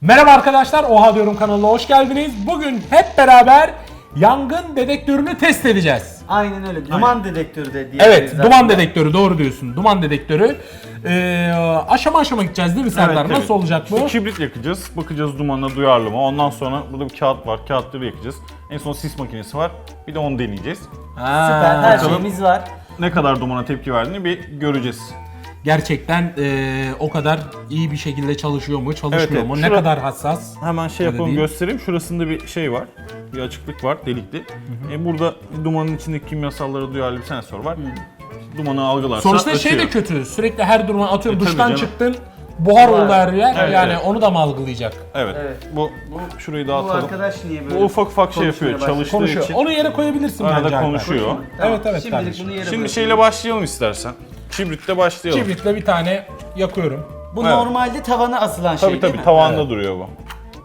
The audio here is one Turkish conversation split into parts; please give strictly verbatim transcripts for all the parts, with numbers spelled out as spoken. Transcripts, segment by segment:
Merhaba arkadaşlar, Oha Diyorum kanalına hoş geldiniz. Bugün hep beraber yangın dedektörünü test edeceğiz. Aynen öyle. Duman Aynen. dedektörü de diyebiliriz. Evet, zaten. Duman dedektörü, doğru diyorsun. Duman dedektörü. Ee, aşama aşama gideceğiz değil mi Serdar? Evet, Nasıl evet. olacak bu? İşte kibrit yakacağız. Bakacağız dumanına duyarlı mı? Ondan sonra burada bir kağıt var. Kağıtları yakacağız. En son sis makinesi var. Bir de onu deneyeceğiz. Ha, Süper, her bakalım. şeyimiz var. Ne kadar dumana tepki verdiğini bir göreceğiz. Gerçekten ee, o kadar iyi bir şekilde çalışıyor mu, çalışmıyor Evet, evet. mu? Şura- Ne kadar hassas? Hemen şey Öyle yapalım, değil. göstereyim. Şurasında bir şey var. Bir açıklık var, delikli. E burada dumanın içindeki kimyasallara duyarlı bir sensör var. Dumanı algılarsa Sonuçta açıyor. şey de kötü. Sürekli her duruma atıyorum, E, tabii duştan canım. çıktın, buhar oldu her yer. Evet, yani evet. onu da mı algılayacak? Evet. Evet. Bu, bu şurayı Bu dağıtalım. arkadaş niye böyle Bu ufak ufak şey yapıyor, konuşmaya başladı? çalıştığı Konuşuyor. için. Onu yere koyabilirsin Arada bence Alper. konuşuyor. Tamam. Evet, evet Şimdilik kardeşim. bunu yere Şimdi bırakıyorum. şeyle başlayalım istersen. Kibritle başlayalım. Kibritle bir tane yakıyorum. Bu Evet. normalde tavana asılan şey Tabii değil tabii mi? tavanda Evet. duruyor bu.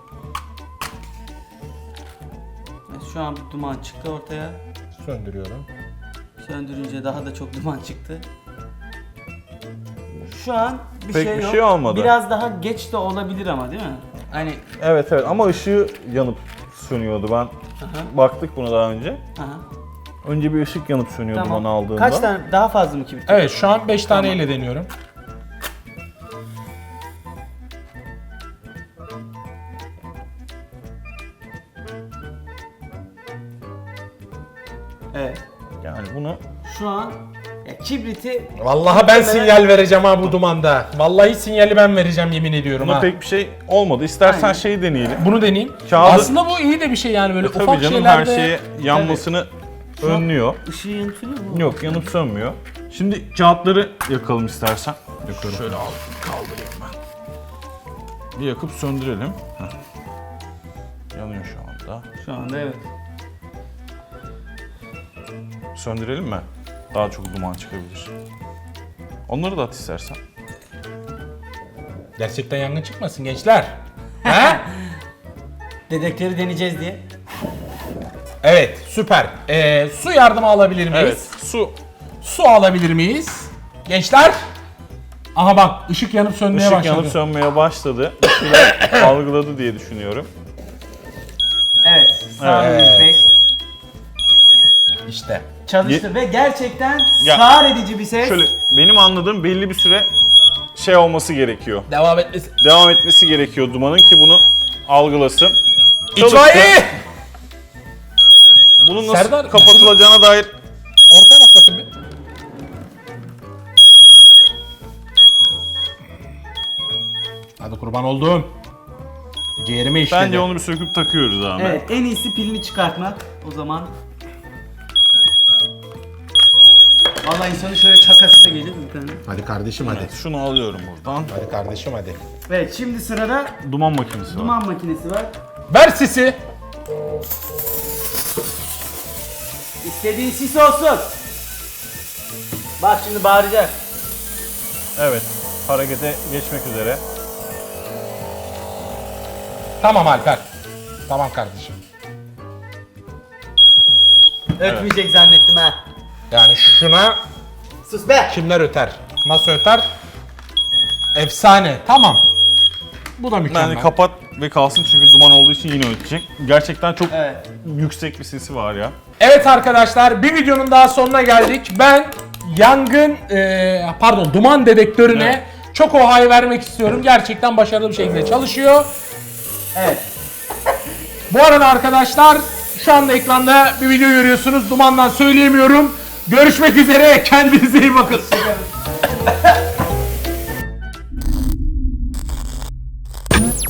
Şu an bir duman çıktı ortaya. Söndürüyorum. Söndürünce daha da çok duman çıktı. Şu an bir Pek şey bir yok. şey olmadı. Biraz daha geç de olabilir ama değil mi? Hani Evet evet ama ışığı yanıp sönüyordu ben. Aha. Baktık buna daha önce. aha. Önce bir ışık yanıp sönüyordu Tamam. duman aldığında. Kaç tane daha fazla mı kibrit? Evet, şu an beş Tamam. taneyle deniyorum. Evet. Yani bunu Şu an ya kibriti Vallahi ben sinyal vereceğim ha bu dumanda. Vallahi sinyali ben vereceğim, yemin ediyorum buna ha. pek bir şey olmadı. İstersen Aynen. şeyi deneyelim. Bunu deneyeyim. Kağıdı- Aslında bu iyi de bir şey yani, böyle E, tabii ufak canım şeylerde. her şeye yanmasını önlüyor. ışığı yanıtıyor mu? Yok yanıp sönmüyor. Şimdi kağıtları yakalım istersen. Yakıyorum. Şöyle al, kaldırayım ben. Bir yakıp söndürelim. Heh. Yanıyor şu anda. Şu anda evet. Söndürelim mi? Daha çok duman çıkabilir. Onları da at istersen. Gerçekten yangın çıkmasın gençler. He? Dedektörü deneyeceğiz diye. Evet, süper. Ee, su yardımı alabilir miyiz? Evet. Su. Su alabilir miyiz? Gençler. Aha bak, ışık yanıp sönmeye Işık başladı. yanıp sönmeye başladı. Işığı algıladı diye düşünüyorum. Evet. Sami Evet. Bey İşte. çalıştı ve gerçekten Ya- sağır edici bir ses. Şöyle benim anladığım belli bir süre şey olması gerekiyor. Devam etmesi. Devam etmesi gerekiyor dumanın ki bunu algılasın. İtfaiye! Bunun nasıl Serdar, kapatılacağına dair Ortaya bak bakayım bir. Hadi kurban olduğum. Ciğerime işledi. bence onu bir söküp takıyoruz abi. Evet, en iyisi pilini çıkartmak o zaman. Vallahi insanın şöyle çakası da gelir bir tane. Hadi kardeşim hadi. Şunu alıyorum buradan. Hadi kardeşim hadi. Evet, şimdi sırada Duman makinesi var. duman makinesi var. Ver sisi. İstediğin sis olsun. Bak şimdi bağıracak. Evet. Harekete geçmek üzere. Tamam Alper. Tamam kardeşim. Ötmeyecek zannettim ha. Yani şuna Sus be. kimler öter? Nasıl öter? Efsane. Tamam. Bu da mükemmel. Yani kapat ve kalsın çünkü duman olduğu için yine ötecek. Gerçekten çok Evet. yüksek bir sesi var ya. Evet arkadaşlar, bir videonun daha sonuna geldik. Ben yangın, e, pardon duman dedektörüne çok ohay vermek istiyorum. Gerçekten başarılı bir şekilde çalışıyor. Evet. Bu arada arkadaşlar, şu anda ekranda bir video görüyorsunuz. Dumandan söyleyemiyorum. Görüşmek üzere. Kendinize iyi bakın.